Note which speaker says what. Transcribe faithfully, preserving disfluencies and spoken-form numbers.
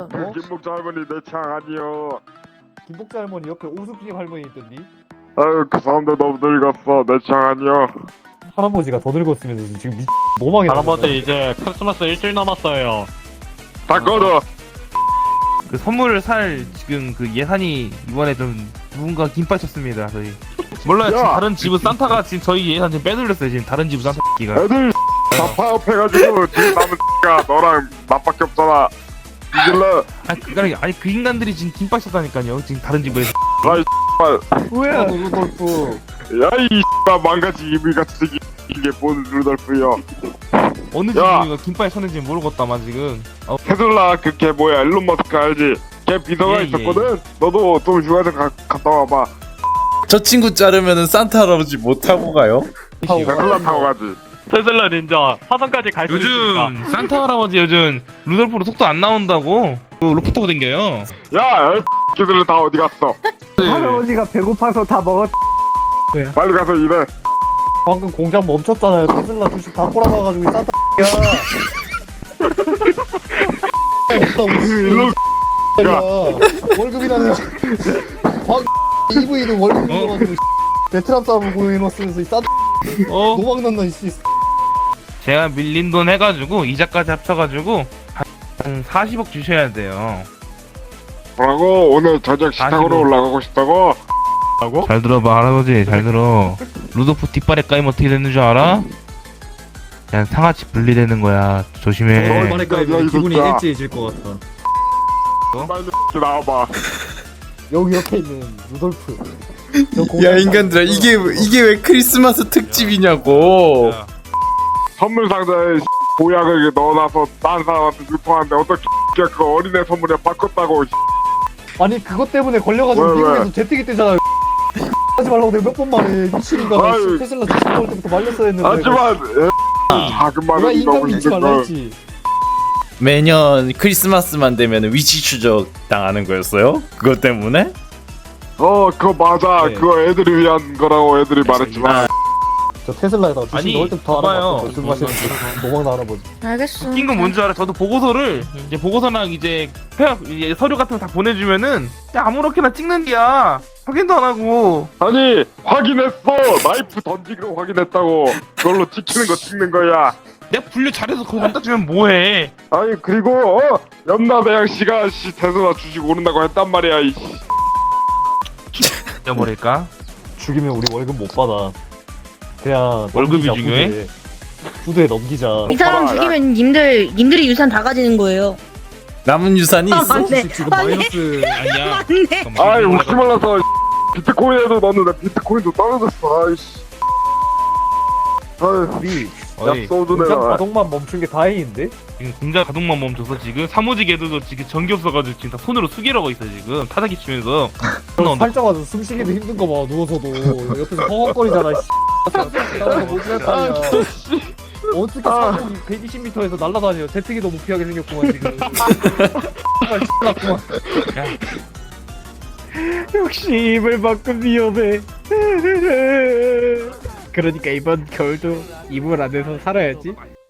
Speaker 1: 그 김복자 할머니 내 취향 아니요.
Speaker 2: 김복자 할머니 옆에 오숙집 할머니 있던디?
Speaker 1: 아유 그 사람들 너무 늙었어. 내 취향 아니요.
Speaker 2: 할아버지가 더 늙었으면 지금 미... 노망이
Speaker 3: 할아버지 이제 크리스마스 일주일 남았어요.
Speaker 1: 다 꺼져.
Speaker 4: 그 선물을 살 지금 그 예산이 이번에 좀 누군가 김밥 쳤습니다. 저희 몰라요. 지금
Speaker 1: 야!
Speaker 4: 다른 집은 산타가 지금 저희 예산 지금 빼돌렸어요. 지금 다른 집 산타기가.
Speaker 1: 애들 다 파업해가지고 지금 남은 X가 너랑 나밖에 없잖아. 이길래
Speaker 4: 아니 그 아니 그 인간들이 지금 김밥 쳤다니까요. 지금 다른 집에.
Speaker 1: 아이
Speaker 2: 뭐야 루돌프.
Speaker 1: 야이 X가 망가지 이불같이 생긴 이게 뭔 루돌프여.
Speaker 4: 어느
Speaker 1: 야!
Speaker 4: 집이 김밥에 쳤는지 모르겠다만 지금. 어,
Speaker 1: 테슬라 그 걔 뭐야 일론 머스크 알지? 걔 비서가
Speaker 4: 예, 예,
Speaker 1: 있었거든. 너도 좀 휴가 좀 가, 갔다 와봐.
Speaker 5: 저 친구 자르면은 산타 할아버지 못 타고 가요?
Speaker 1: 테슬라 타고 가지.
Speaker 3: 테슬라 닌자 화성까지 갈 수 있으니까.
Speaker 4: 요즘 산타 할아버지 요즘 루돌프로 속도 안 나온다고 그 로프 타고 댕겨요.
Speaker 1: 야 X들은 다 어디 갔어?
Speaker 2: 할아버지가 배고파서 다 먹었.
Speaker 1: 빨리 가서 일해.
Speaker 2: 방금 공장 멈췄잖아요. 테슬라 주식 다 꼬라박아가지고 이 산타 야 없다
Speaker 1: 일론
Speaker 2: 우리 야 월급이라는 광 이브이도 월급 줘가지고 베트남 사람을 고용해놓으면서 이 산타
Speaker 4: 어?
Speaker 2: 노망난다 씨.
Speaker 4: 제가 밀린 돈 해가지고 이자까지 합쳐가지고 한 사십억 주셔야 돼요.
Speaker 1: 뭐라고? 오늘 저녁 식탁으로
Speaker 4: 아시고.
Speaker 1: 올라가고 싶다고?
Speaker 3: 라고?
Speaker 4: 잘 들어봐 할아버지 잘 들어. 루돌프 뒷발에 까이면 어떻게 되는 줄 알아? 그냥 상하치 분리되는 거야. 조심해.
Speaker 1: 서울만에 까이면 기분이
Speaker 2: 일찍해질 것 같아.
Speaker 1: 빨리 나와봐.
Speaker 2: 여기 옆에 있는 루돌프. 저
Speaker 5: 야
Speaker 2: 공장
Speaker 5: 인간들아 이게 이게 왜 크리스마스 특집이냐고.
Speaker 4: 야,
Speaker 1: 선물 상자에 보약을 넣어놔서 딴 사람한테 유통하는데 어떻게 그 어린애 선물에 바꿨다고.
Speaker 2: 아니 그것 때문에 걸려가지고
Speaker 1: 왜,
Speaker 2: 미국에서
Speaker 1: 왜?
Speaker 2: 재택이 뜨잖아요. 하지 말라고 내가 몇 번 말해. 미친인가.
Speaker 1: 아유.
Speaker 2: 테슬라 주식 나올 때부터 말렸어야 했는데.
Speaker 1: 하지만 애, 작은
Speaker 2: 내가
Speaker 1: 마음이
Speaker 2: 인간
Speaker 1: 너무
Speaker 2: 믿지
Speaker 1: 힘든
Speaker 2: 말라
Speaker 1: 걸.
Speaker 2: 했지.
Speaker 5: 매년 크리스마스만 되면 위치 추적 당하는 거였어요? 그것 때문에?
Speaker 1: 어 그거 맞아.
Speaker 2: 네.
Speaker 1: 그거 애들이 위한 거라고 애들이 말했지만
Speaker 2: 저 테슬라에다가 주식
Speaker 4: 아니,
Speaker 2: 넣을 때부터
Speaker 4: 봐봐요.
Speaker 2: 알아봤어. 술 마시는 노망나 할아버지.
Speaker 6: 알겠어.
Speaker 4: 웃긴 건 뭔지 알아? 저도 보고서를 이제 보고서랑 이제 폐업 이제 서류 같은 거 다 보내주면은 그냥 아무렇게나 찍는디야. 확인도 안 하고.
Speaker 1: 아니 확인했어. 나이프 던지기로 확인했다고. 그걸로 찍히는 거 찍는 거야.
Speaker 4: 내가 분류 잘해서 그거 갖다 주면 뭐해?
Speaker 1: 아니 그리고 어 연나대양 씨가 씨 테슬라 주식 오른다고 했단 말이야. 이
Speaker 4: 잊어버릴까?
Speaker 2: 죽이면 우리 월급 못 받아. 그냥
Speaker 4: 월급이
Speaker 2: 넘기자,
Speaker 4: 중요해?
Speaker 2: 후드에. 후드에 넘기자.
Speaker 6: 이 사람
Speaker 1: 봐봐,
Speaker 6: 죽이면 님들 님들이 유산 다 가지는 거예요.
Speaker 5: 남은 유산이 있어?
Speaker 6: 아, 네.
Speaker 2: 지금
Speaker 6: 맞네.
Speaker 2: 마이너스.
Speaker 4: 아니야.
Speaker 6: 맞네.
Speaker 4: 잠깐만,
Speaker 1: 아이
Speaker 4: 이거
Speaker 1: 웃지 말라서 비트코인에도 넣었는데 비트코인도 떨어졌어. 아이씨. 아이
Speaker 2: 우리
Speaker 4: 어이,
Speaker 1: 야 소주
Speaker 2: 공장
Speaker 1: 내가.
Speaker 2: 가동만 멈춘 게 다행인데?
Speaker 4: 지금 공장 가동만 멈춰서 지금 사무직 애들도 지금 전기 없어가지고 지금 다 손으로 수기라고 있어 지금 타닥이 치면서. 나온다.
Speaker 2: 살짝 와서 숨 쉬기도 힘든 거 봐. 누워서도 옆에서 허걱거리잖아. 씨. 나와서 못 지났다냐. 어떻게 사람이 백이십 미터에서 날아다녀. 제트기도 못 피하게 생겼구만 지금. 정말 X났구만. 역시 이불만큼 위험해. 그러니까 이번 겨울도 이불 안에서 살아야지.